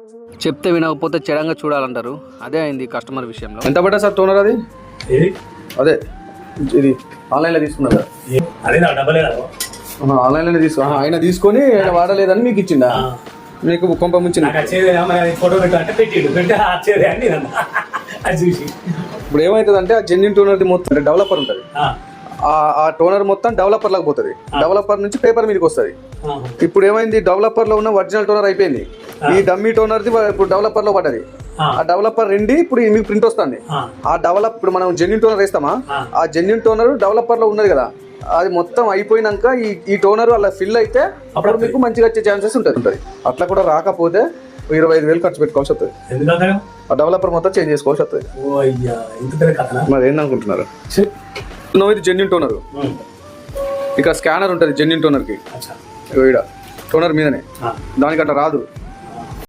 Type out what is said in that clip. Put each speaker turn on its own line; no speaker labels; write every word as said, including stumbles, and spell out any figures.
చెప్తే వినకపోతే చెడంగా చూడాలంటారు. అదే అయింది కస్టమర్ విషయంలో. ఎంత పడ్డా సార్ టోనర్ అది? అదే ఇది ఆన్లైన్లో తీసుకున్నారు ఆన్లైన్లో తీసుకో ఆయన తీసుకొని ఆయన వాడలేదని మీకు ఇచ్చిందా? మీకు కొంప ముంచిన ఇప్పుడు ఏమవుతుందంటే ఆ జెన్యున్ టోనర్ మొత్తం డెవలపర్ ఉంటుంది. ఆ టోనర్ మొత్తం డెవలపర్ లాగా పోతుంది. డెవలపర్ నుంచి పేపర్ మీదకి వస్తుంది. ఇప్పుడు ఏమైంది, డెవలపర్ లో ఉన్న ఒరిజినల్ టోనర్ అయిపోయింది. ఈ డమ్మీ టోనర్ది ఇప్పుడు డెవలపర్ లో పడ్డది. ఆ డెవలపర్ రెండి ఇప్పుడు మీకు ప్రింట్ వస్తుంది. ఆ డెవలప్ ఇప్పుడు మనం జెన్యున్ టోనర్ వేస్తామా, ఆ జెన్యున్ టోనర్ డెవలపర్ లో ఉన్నది కదా, అది మొత్తం అయిపోయినాక ఈ ఈ టోనర్ అలా ఫిల్ అయితే అప్పుడు మీకు మంచిగా వచ్చే ఛాన్సెస్ ఉంటుంది ఉంటుంది అట్లా కూడా రాకపోతే ఇరవై ఐదు వేలు ఖర్చు పెట్టుకోవాల్సి వస్తుంది. ఆ డెవలపర్ మొత్తం చేంజ్ చేసుకోవాల్సి వస్తుంది. మరి ఏంటనుకుంటున్నారు? నువ్వు ఇది జెన్యున్ టోనర్, ఇక్కడ స్కానర్ ఉంటుంది జెన్యున్ టోనర్ కి, టోనర్ మీదనే, దానికంట రాదు.